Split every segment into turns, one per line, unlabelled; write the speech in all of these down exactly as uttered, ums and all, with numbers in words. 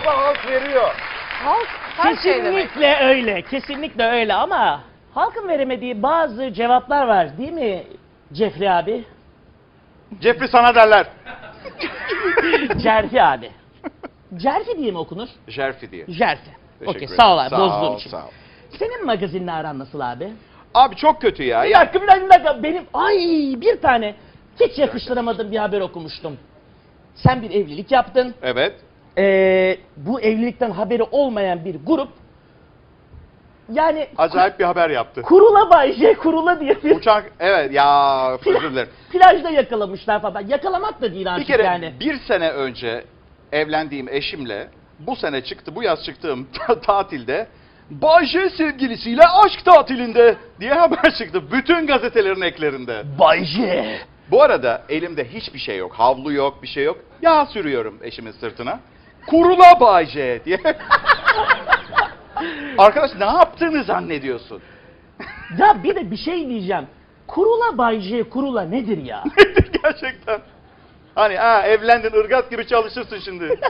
Ama halk veriyor.
Halk her şey demek.
Kesinlikle öyle, kesinlikle öyle ama halkın veremediği bazı cevaplar var değil mi Jeffrey abi?
Jeffrey sana derler.
Cerfi abi. Cerfi diye mi okunur?
Jerfi diye.
Jerfi.
Teşekkür
Okey,
ederim.
sağ ol abi,
Sağ
bozduğum
ol,
için.
sağ ol.
Senin magazinle aran nasıl abi?
Abi çok kötü ya.
Bir
ya.
dakika, bir dakika, bir dakika. Benim, ay bir tane hiç yakıştıramadığım bir haber okumuştum. Sen bir evlilik yaptın.
Evet.
Ee, bu evlilikten haberi olmayan bir grup, yani
Acayip bir haber yaptı.
Kurula Bay J, Kurula diye bir
Uçak, evet ya, özür dilerim.
plajda yakalamışlar falan. Yakalamak da değil
Bir
artık
kere
yani.
bir sene önce evlendiğim eşimle bu sene çıktı, bu yaz çıktığım ta- tatilde Bay J sevgilisiyle aşk tatilinde diye haber çıktı. Bütün gazetelerin eklerinde.
Bay J.
Bu arada elimde hiçbir şey yok. Havlu yok, bir şey yok. Yağ sürüyorum eşimin sırtına. Kurula Bay J diye. Arkadaş ne yaptığını zannediyorsun?
Ya bir de bir şey diyeceğim. Kurula Bay J, Kurula nedir ya?
Gerçekten. Hani ha evlendin, ırgat gibi çalışırsın şimdi.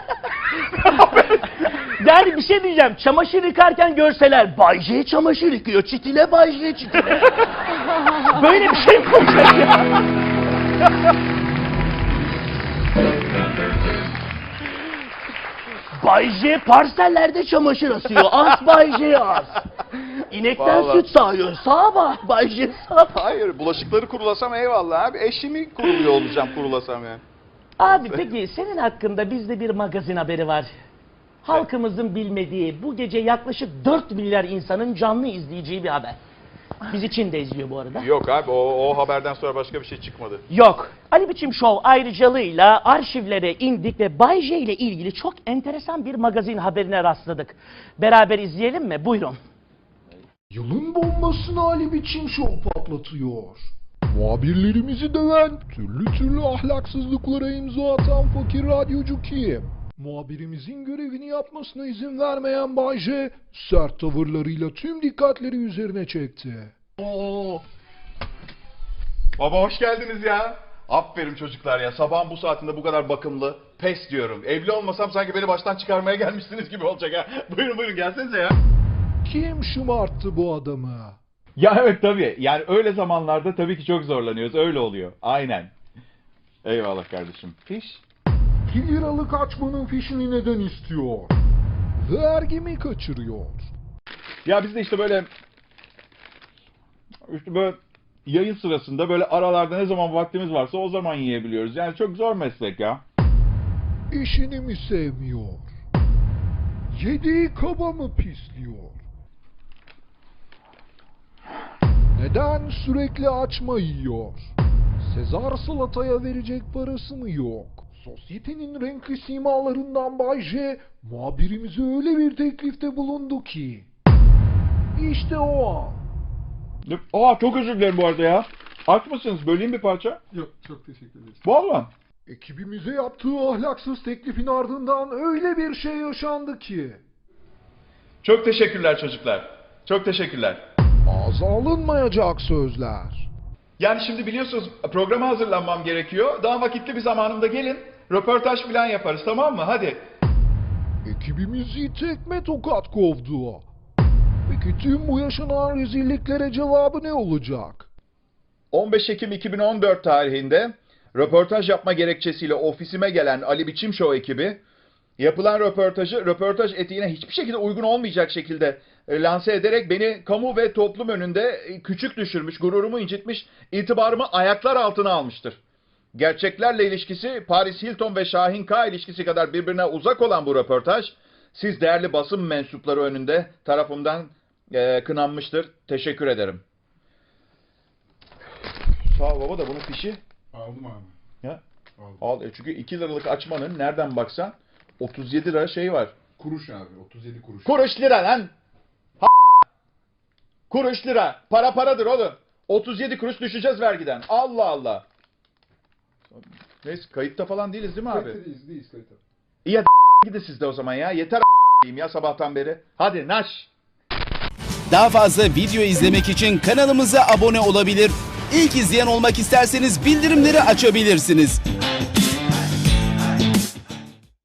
Yani bir şey diyeceğim. Çamaşır yıkarken görseler Bay J çamaşır yıkıyor. Çitile Bay J çitile. Böyle bir şey mi olacak ya? Bay J parsellerde çamaşır asıyor. As Bay J as. İnekten
Vallahi.
süt sağıyor. Sağa bak Bay J sağa.
Hayır, bulaşıkları kurulasam eyvallah abi. Eşimi kuruluyor olacağım kurulasam ya.
Abi peki senin hakkında bizde bir magazin haberi var. Halkımızın bilmediği, bu gece yaklaşık dört milyar insanın canlı izleyeceği bir haber. Bizi Çin de izliyor bu arada.
Yok abi, o, o haberden sonra başka bir şey çıkmadı.
Yok. Ali Biçim Show ayrıcalığıyla arşivlere indik ve Bay J ile ilgili çok enteresan bir magazin haberine rastladık. Beraber izleyelim mi? Buyurun.
Yılın bombasını Ali Biçim Show patlatıyor. Muhabirlerimizi döven, türlü türlü ahlaksızlıklara imza atan fakir radyocu kim? Muhabirimizin görevini yapmasına izin vermeyen Bay J, sert tavırlarıyla tüm dikkatleri üzerine çekti.
Oo. Baba hoş geldiniz ya. Aferin çocuklar ya. Sabahın bu saatinde bu kadar bakımlı. Pes diyorum. Evli olmasam sanki beni baştan çıkarmaya gelmişsiniz gibi olacak ha. Buyurun buyurun gelsenize ya.
Kim şımarttı bu adamı?
Ya evet tabii. Yani öyle zamanlarda tabii ki çok zorlanıyoruz. Öyle oluyor. Aynen. Eyvallah kardeşim. Fiş.
iki liralık açmanın fişini neden istiyor? Vergi mi kaçırıyor?
Ya biz de işte böyle işte böyle yayın sırasında böyle aralarda ne zaman vaktimiz varsa o zaman yiyebiliyoruz. Yani çok zor meslek ya.
İşini mi sevmiyor? Yediği kaba mı pisliyor? Neden sürekli açma yiyor? Sezar salataya verecek parası mı yok? Sosyetenin renkli simalarından Bay J, muhabirimize öyle bir teklifte bulundu ki. İşte o an.
Aa çok özür dilerim bu arada ya. Aç mısınız? Böleyim bir parça.
Yok, çok teşekkür ederiz.
Vallahi.
Ekibimize yaptığı ahlaksız teklifin ardından öyle bir şey yaşandı ki.
Çok teşekkürler çocuklar. Çok teşekkürler.
Ağza alınmayacak sözler.
Yani şimdi biliyorsunuz programa hazırlanmam gerekiyor. Daha vakitli bir zamanımda gelin. Röportaj falan yaparız, tamam mı? Hadi.
Ekibimizi tekme tokat kovdu. Peki tüm bu yaşanan rezilliklere cevabı ne olacak?
on beş Ekim iki bin on dört tarihinde röportaj yapma gerekçesiyle ofisime gelen Ali Biçim Show ekibi yapılan röportajı röportaj etiğine hiçbir şekilde uygun olmayacak şekilde e, lanse ederek beni kamu ve toplum önünde e, küçük düşürmüş, gururumu incitmiş, itibarımı ayaklar altına almıştır. Gerçeklerle ilişkisi Paris Hilton ve Şahin K ilişkisi kadar birbirine uzak olan bu röportaj siz değerli basın mensupları önünde tarafımdan e, kınanmıştır. Teşekkür ederim. Sağ ol baba da bunun fişi.
Aldım abi.
Ya.
Aldım.
Al e, çünkü iki liralık açmanın nereden baksan otuz yedi lira şey var.
Kuruş abi. otuz yedi kuruş.
Kuruş lira lan. Ha kuruş lira. Para paradır oğlum. otuz yedi kuruş düşeceğiz vergiden. Allah Allah. Neyse kayıtta falan değiliz değil mi abi?
Kayıtta değiliz, değiliz kayıtta.
İyi hadi gidin siz de o zaman ya. Yeter diyeyim ya sabahtan beri. Hadi naş.
Daha fazla video izlemek için kanalımıza abone olabilir. İlk izleyen olmak isterseniz bildirimleri açabilirsiniz.